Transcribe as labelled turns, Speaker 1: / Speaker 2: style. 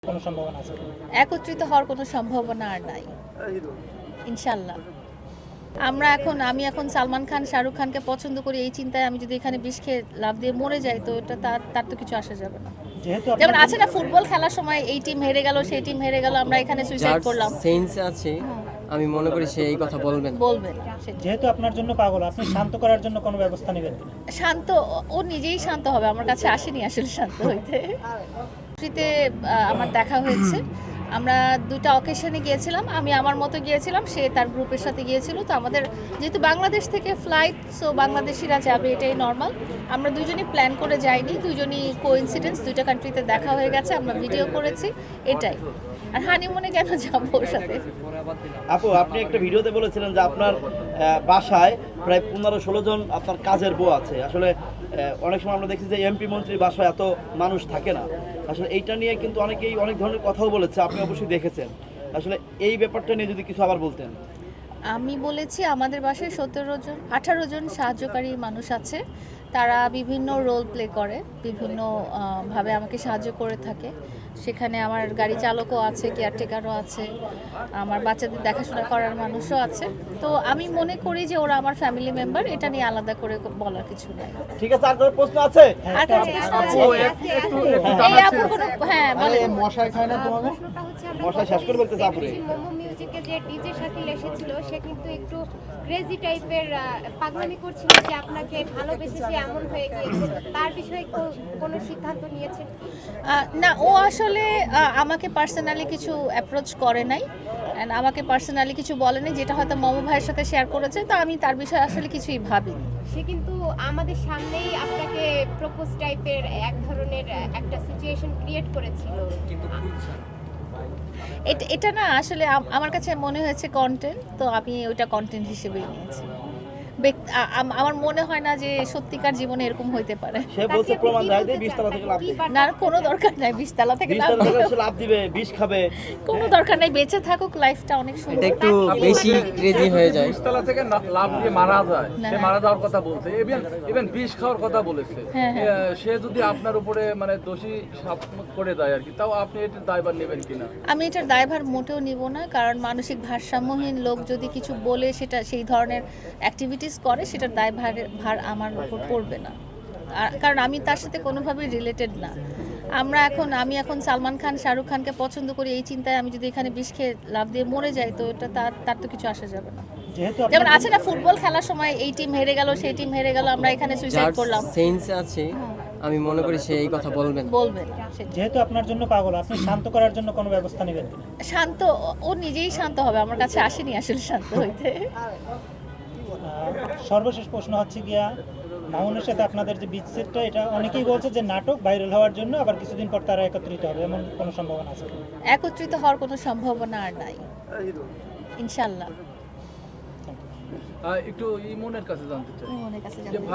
Speaker 1: কোনো সম্ভাবনা আছে?
Speaker 2: একত্রিত হওয়ার কোনো সম্ভাবনা আর নাই ইনশাল্লাহ। আমি এখন সালমান খান শাহরুখ খানকে পছন্দ করি, এই চিন্তায় আমি যদি এখানে বিষ খেয়ে লাফ দিয়ে মরে যাই তো এটা তার তো কিছু আসা যাবে না।
Speaker 1: যেহেতু
Speaker 2: যেমন আছে না ফুটবল খেলার সময় এই টিম হেরে গেল সেই টিম হেরে গেল, আমরা এখানে সুইসাইড করলাম,
Speaker 3: সেন্স আছে, আমি মনে করি সে এই কথা বলবেন।
Speaker 1: যেহেতু আপনার জন্য পাগল, আপনি শান্ত করার জন্য কোনো ব্যবস্থা নেবেন কিনা?
Speaker 2: শান্ত, ও নিজেই শান্ত হবে, আমার কাছে আসেনি আসলে শান্ত হইতে। ফ্রিতে আমার দেখা হয়েছে, আমরা দুটো অকেশনে গিয়েছিলাম, আমি আমার মতো গিয়েছিলাম, সে তার গ্রুপের সাথে গিয়েছিল। তো আমাদের যেহেতু বাংলাদেশ থেকে ফ্লাইট, সো বাংলাদেশিরা যাবে এটাই নর্মাল। আমরা দুজনই প্ল্যান করে যাইনি, দুজনই কোইন্সিডেন্স, দুইটা কান্ট্রিতে দেখা হয়ে গেছে, আমরা ভিডিও করেছি, এটাই। আর হানিমুনে কেন যাবো ওর সাথে?
Speaker 4: আপু, আপনি একটা ভিডিওতে বলেছিলেন যে আপনার বাসায় প্রায় 15-16 জন আপনার কাজের বউ আছে। আসলে অনেক সময় আমরা দেখি যে এমপি মন্ত্রীর বাসায় এত মানুষ থাকে না। আসলে এইটা নিয়ে কিন্তু অনেকেই অনেক ধরনের কথাও বলেছে, আপনি অবশ্যই দেখেছেন। আসলে এই ব্যাপারটা নিয়ে যদি কিছু আবার বলতেন।
Speaker 2: আমি বলেছি আমাদের বাসায় 18 জন সাহায্যকারী মানুষ আছে, তারা বিভিন্ন রোল প্লে করে, বিভিন্ন ভাবে আমাকে সাহায্য করে থাকে। সেখানে আমার গাড়ি চালকও আছে, কেয়ারটেকারও আছে, আমার বাচ্চাদের দেখাশোনা করার মানুষও আছে। তো আমি মনে করি যে ওরা আমার ফ্যামিলি মেম্বার, এটা নিয়ে আলাদা করে বলার কিছু নাই।
Speaker 4: ঠিক আছে, আর কোনো প্রশ্ন আছে?
Speaker 2: আর কোনো প্রশ্ন আছে? এই আপুর কোনো, হ্যাঁ বলেন।
Speaker 4: মশাই খায় না তোমাকে? মশাই শেষ করে বলতেছে আপুরে।
Speaker 5: মোমো মিউজিকে যে ডিজে শাকিল এসেছিল, সে কিন্তু একটু ক্রেজি টাইপের পাগলামি করছিল যে আপনাকে ভালোবেসে সে এমন হয়ে গিয়েছে। তার বিষয়ে কোনো সিদ্ধান্ত নিয়েছেন?
Speaker 2: না, ও আসলে আমাকে পার্সোনালি কিছু অ্যাপ্রোচ করে নাই, অ্যান্ড আমাকে পার্সোনালি কিছু বলেনি, যেটা হয়তো মোমো ভাইয়ের সাথে শেয়ার করেছে। তো আমি তার বিষয়ে আসলে কিছুই ভাবিনি।
Speaker 5: সে কিন্তু আমাদের সামনেই আপনাকে প্রপোজ টাইপের এক ধরনের একটা সিচুয়েশন ক্রিয়েট করেছিল।
Speaker 2: এটা না আসলে আমার কাছে মনে হয়েছে কন্টেন্ট, তো আমি ওইটা কন্টেন্ট হিসেবেই নিয়েছি। আমার মনে হয় না যে সত্যিকার জীবনে এরকম হইতে পারে।
Speaker 4: সে বলছে প্রমাণ দেয় যে 20 তলা থেকে লাফ দিবে।
Speaker 2: না, কোনো দরকার নাই 20 তলা থেকে
Speaker 4: 20 তলা থেকে লাফ দিবে, বিষ খাবে।
Speaker 2: কোনো দরকার নাই, বেঁচে থাকুক, লাইফটা অনেক
Speaker 3: এটা
Speaker 2: সুন্দর।
Speaker 3: একটু বেশি ক্রেজি হয়ে যায়।
Speaker 6: বিশতলা থেকে লাফ দিয়ে মারা যায়, সে মারা যাওয়ার কথা বলছে, ইভেন বিষ খাওয়ার কথা বলেছে।
Speaker 2: হ্যাঁ,
Speaker 6: সে যদি আপনার উপরে মানে দোষী সাব্যস্ত করে দেয় আর কি, তাও আপনি এটার দায়ভার নেবেন কিনা?
Speaker 2: আমি এটার দায়ভার মোটেও নিব না, কারণ মানসিক ভারসাম্যহীন লোক যদি কিছু বলে, সেটা সেই ধরনের অ্যাক্টিভিটিস করে, সেটার ভার আমার উপর পড়বে না। কারণ আমি তার সাথে কোনোভাবেই রিলেটেড না। আমি এখন সালমান খান শাহরুখ খানকে পছন্দ করি, এই চিন্তায় আমি যদি এখানে বিষ খেয়ে লাফ দিয়ে মরে যাই তো এটা তার তো কিছু আসা যাবে না।
Speaker 1: যেহেতু
Speaker 2: যেমন আছে না ফুটবল খেলার সময় এই টিম হেরে গেল সেই টিম হেরে গেল, আমরা এখানে সুইসাইড করলাম,
Speaker 3: সেন্স আছে, আমি মনে করি সে এই কথা বলবেন।
Speaker 1: যেহেতু আপনার জন্য পাগল, আপনি শান্ত করার জন্য কোনো ব্যবস্থা নেবেন কিনা?
Speaker 2: শান্ত, ও নিজেই শান্ত হবে, আমার কাছে আসেনি আসলে শান্ত হইতে।
Speaker 1: সর্বশেষ প্রশ্ন হচ্ছে গিয়া, মামুনের সাথে আপনাদের যে বিচ্ছেদটা, এটা অনেকেই বলছে যে নাটক, ভাইরাল হওয়ার জন্য, আবার কিছুদিন পর তারা একত্রিত হবে, এমন কোনো সম্ভাবনা আছে?
Speaker 2: একত্রিত হওয়ার কোনো সম্ভাবনা আর নাই ইনশাল্লাহ।
Speaker 6: একটু ইমনের কাছে জানতে চাই
Speaker 2: মনের কাছে
Speaker 6: যে